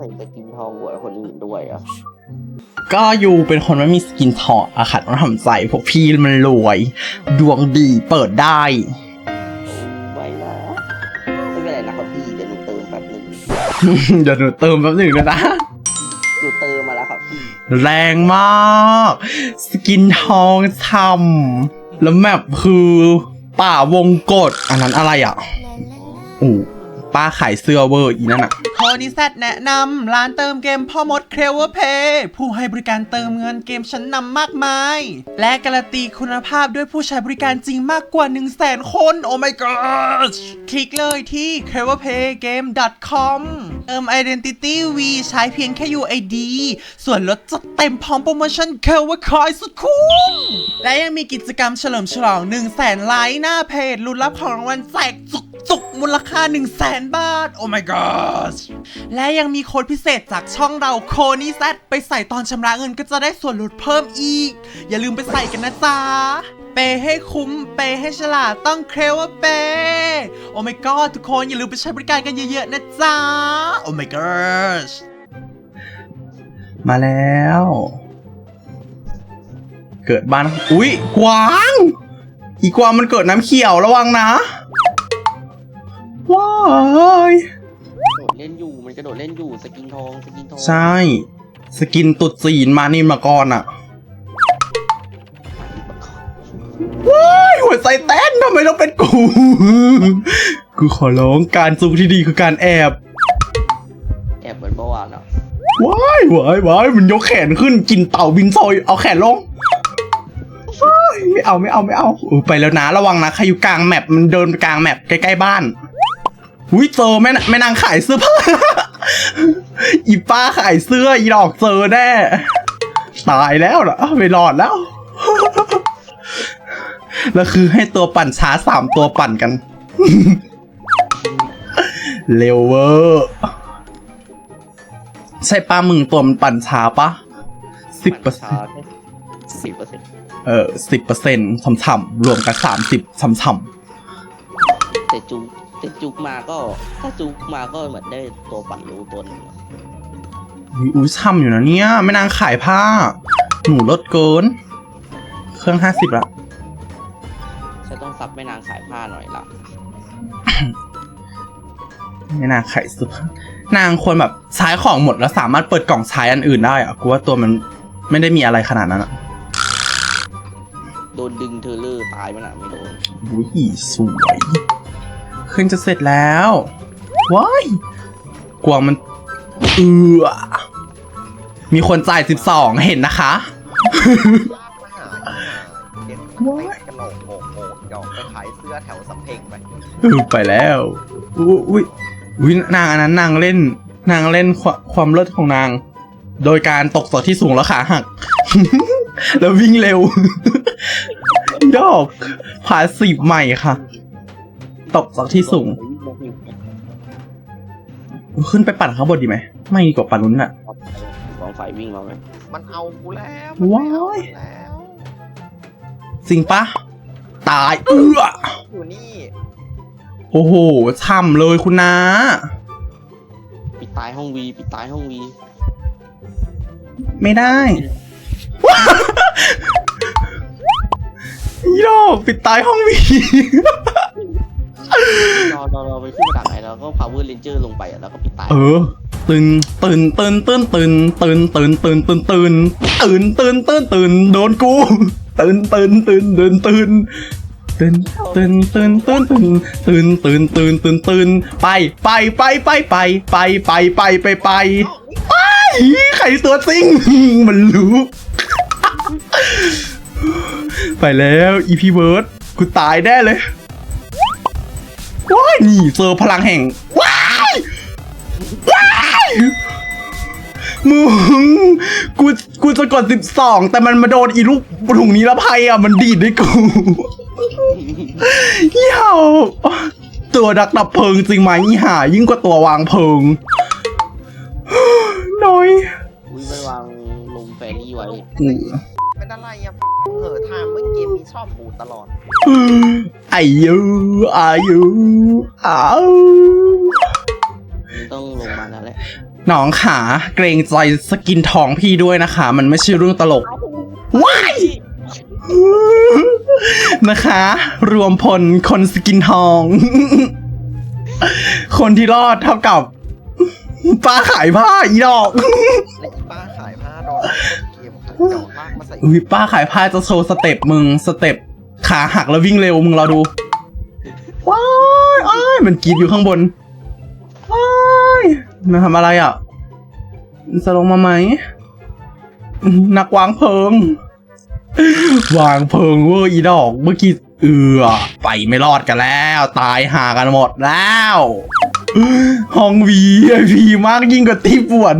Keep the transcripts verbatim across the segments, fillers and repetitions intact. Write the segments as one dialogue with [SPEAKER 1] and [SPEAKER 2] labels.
[SPEAKER 1] ไปกินทองหัวคนอื่นด้วยอ่ะ
[SPEAKER 2] ก็อยู่เป็นคนไม่มีสกินทองอะค่ะต้องทำใจพวกพี่มันรวย ดวงดีเปิดได้
[SPEAKER 1] ไว้นะไม่เป็นไรนะครับพี่เดี๋ยวหนูเติมแป๊บหนึ่ง
[SPEAKER 2] เดี๋ยวหนูเติมแป๊บหนึ่งนะ
[SPEAKER 1] หนูเติมมาแล้วครับพี่
[SPEAKER 2] แรงมากสกินทองทำแล้วแมปคือป่าวงกฏอันนั้นอะไรอ่ะอู้ป้าขายเสื้อเวอร์อีนั่นอ่ะ
[SPEAKER 3] โคนิแซดแนะนำร้านเติมเกมพ่อมดเคลเวอร์เพย์ผู้ให้บริการเติมเงินเกมชั้นนำมากมายและการันตีคุณภาพด้วยผู้ใช้บริการจริงมากกว่า หนึ่งแสน คนโอ้ my god คลิกเลยที่ เคลเวอร์เพย์เกม ดอท คอม เติม Identity V ใช้เพียงแค่ ยู ไอ ดี ส่วนลดจัดเต็มพร้อมโปรโมชั่น เคลเวอร์ คอยสุดคุ้มและยังมีกิจกรรมเฉลิมฉลอง หนึ่งแสน ไลค์หน้าเพจลุ้นรับของรางวัลแจกจุกจุกมูลค่า หนึ่งแสน บาทโอ้ my god และยังมีโค้ดพิเศษจากช่องเราโคนี่แซดไปใส่ตอนชำระเงินก็จะได้ส่วนลดเพิ่มอีกอย่าลืมไปใส่กันนะจ๊ะเปย์ให้คุ้มเปย์ให้ฉลาดต้องเคลเวอร์เปย์โอ้ my god ทุกคนอย่าลืมไปใช้บริการกันเยอะๆนะจ๊ะโอ้ my god
[SPEAKER 2] มาแล้ว เกิดบ้านอุ๊ยกวางอีกวางมันเกิดน้ำเขียวระวังนะว้าย
[SPEAKER 1] โดดเล่นอยู่มันกระโดดเล่นอยู่สกินทองสกินทอง
[SPEAKER 2] ใช่สกินตุดจีนมานินมาก่อนอ่ะว้ายหัวใจเต้นทำไมต้องเป็นกูกูขอร้องการซุกที่ดีคือการแอบ
[SPEAKER 1] แอบเหมือนเมื่อวานอ่ะ
[SPEAKER 2] ว้ายว้ายว้ายมันยกแขนขึ้นกินเต่าบินซอยเอาแขนลงไม่เอาไม่เอาไม่เอาเออไปแล้วนะระวังนะใครอยู่กลางแมปมันเดินไปกลางแมปใกล้ๆบ้านอุ้ยเจอแม่แม่นางขายเสื้อผ้าอีป้าขายเสื้ออีดอกเจอแน่ตายแล้วเหรอไม่รอดแล้วแล้วคือให้ตัวปั่นช้าสามตัวปั่นกันเร็วเวอร์ใช่ป้ามึงตัวมันปั่นช้าปะสิบเปอร์เซ็นต์
[SPEAKER 1] สิบเปอร์เซ็นต์
[SPEAKER 2] เออสิบเปอร์เซ็นต์ฉ่ำๆรวมกันสามสิบฉ่ำ
[SPEAKER 1] ๆแต่จุกแต่จุกมาก็ถ้าจุกมาก็เหมือนได้ตัวปั่นรู้ตัวหนึ่ง
[SPEAKER 2] อุ้ยช่ำอยู่นะเนี่ยไม่นางขายผ้าหนูลดเกินเครื่องห้าสิบละ
[SPEAKER 1] ฉันต้องซับแม่นางขายผ้าหน่อยละ
[SPEAKER 2] ไม่นางขายสุดนางควรแบบใช้ของหมดแล้วสามารถเปิดกล่องใช้อันอื่นได้อะกูว่าตัวมันไม่ได้มีอะไรขนาดนั้นอะ
[SPEAKER 1] โดนดึงเทเลอร์ตายมันอะไม่โดน
[SPEAKER 2] อุ้ยสวยขึ้นจะเสร็จแล้วว้ายกวางมันเอือมีคนจ่ายสิบสองเห็นนะคะ
[SPEAKER 4] ว้ายกระโหลกโหกโหกเดี๋ยวไปขายเสื้อแถวสำเพ็งไป
[SPEAKER 2] ไปแล้วอุ้ยอุ้ยนางอันนั้นนางเล่นนางเล่นความเลิศของนางโดยการตกจากที่สูงแล้วขาหักแล้ววิ่งเร็วยอกพาสีใหม่ค่ะตกจากที่สูงขึ้นไปปั่นข้างบนดีไหมไม่ดีกว่าปั่นนู้นน่ะ
[SPEAKER 1] ลองไฟวิ่งมาไหม
[SPEAKER 4] มันเอากูแล้ว
[SPEAKER 2] ว้ายจริงปะตายเอื้อ
[SPEAKER 4] อยู่นี่
[SPEAKER 2] โอ้โหช่ำเลยคุณน้า
[SPEAKER 1] ปิดตายห้องวีปิดตายห้องวี
[SPEAKER 2] ไม่ได้ยี่ดอกปิดตายห้องวี
[SPEAKER 1] รอรอรอไปขึ้นมาจากไหนแล้วก็ power ranger ลงไปแล้วก็ปิดตาย
[SPEAKER 2] เออตื่นตื่นตื่นตื่นตื่นตื่นตื่นตื่นตื่นตื่นตื่นตื่นตื่นตื่นโดนกูตื่นตื่นตื่นตื่นตื่นตื่นตื่นตื่นตื่นตื่นตื่นตื่นตื่นตื่นตื่นไปไปไปไปไปไปไปไปไปไปไปใครตัวจริงมันรู้ไปแล้วอีพีเบิร์ดกูตายแน่เลยว้ายนี่เจอพลังแห่งว้ายว้ายมึงกูกูจะกดสิบสองแต่มันมาโดนอีลูกถุงนี้ละภัยอ่ะมันดีดด้วยกูเหี้ยตัวดักดับเพลิงจริงไหมอีห่ายิ่งกว่าตัววางเพลิงน้อย
[SPEAKER 1] อุ้ยไปวางลงแฟรี่ไว้
[SPEAKER 4] เป็นอะไรอ่ะเหอะทางเมื่อเกมมีชอบปูตลอด
[SPEAKER 2] อายุอายุอ้าว
[SPEAKER 1] ต้องลงมาแล้วแหละ
[SPEAKER 2] น้องขาเกรงใจสกินทองพี่ด้วยนะคะ มันไม่ใช่เรื่องตลกว้ายนะคะ รวมพลคนสกินทอง คนที่รอดเท่ากับป้าขายผ้าอีดอก
[SPEAKER 4] และอีป้าขายผ้าโดนต้นเกมขายดอกลากมาใส่
[SPEAKER 2] อุ้ยป้าขายผ้าจะโชว์สเต็ปมึงสเต็ปขาหักแล้ววิ่งเร็วมึงรอดูว้ายอ้ายมันกรีดอยู่ข้างบนว้ายมันทำอะไรอ่ะมันจะลงมาไหมนักวางเพลิงวางเพลิงเวอร์อีดอกเมื่อกี้เอือไปไม่รอดกันแล้วตายหากันหมดแล้วห้องวีไอพีมากยิ่งกว่าที่ป่วน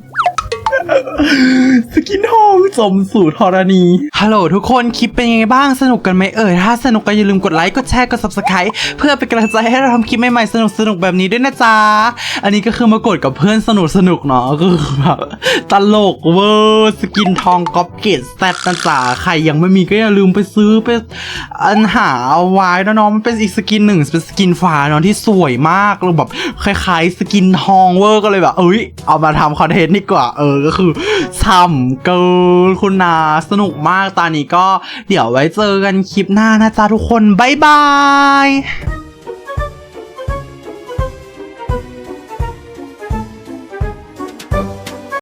[SPEAKER 2] สกินทองสมสู่ธรณีฮัลโหลทุกคนคลิปเป็นยังไงบ้างสนุกกันไหมเอ่ยถ้าสนุกก็อย่าลืมกดไลค์กดแชร์กด ซับสไครบ์ เพื่อเป็นกำลังใจให้เราทำคลิปใหม่ๆสนุกสนุกแบบนี้ด้วยนะจ๊ะอันนี้ก็คือมากดกับเพื่อนสนุกสนุกเนาะก็คือแบบตลกเวอร์สกินทองก๊อปเกตแซดนะจ๊ะใครยังไม่มีก็อย่าลืมไปซื้อไปอันหาเอาไว้นะน้องมันเป็นอีกสกินหนึ่งเป็นสกินฟ้าเนาะที่สวยมากเลยแบบคล้ายๆสกินทองเวอร์ก็เลยแบบเอ้ยเอามาทำคอนเทนต์ดีกว่าเออก็คือช่ำเกินคุณนาสนุกมากตอนนี้ก็เดี๋ยวไว้เจอกันคลิปหน้านะจ๊ะทุกคนบ๊ายบาย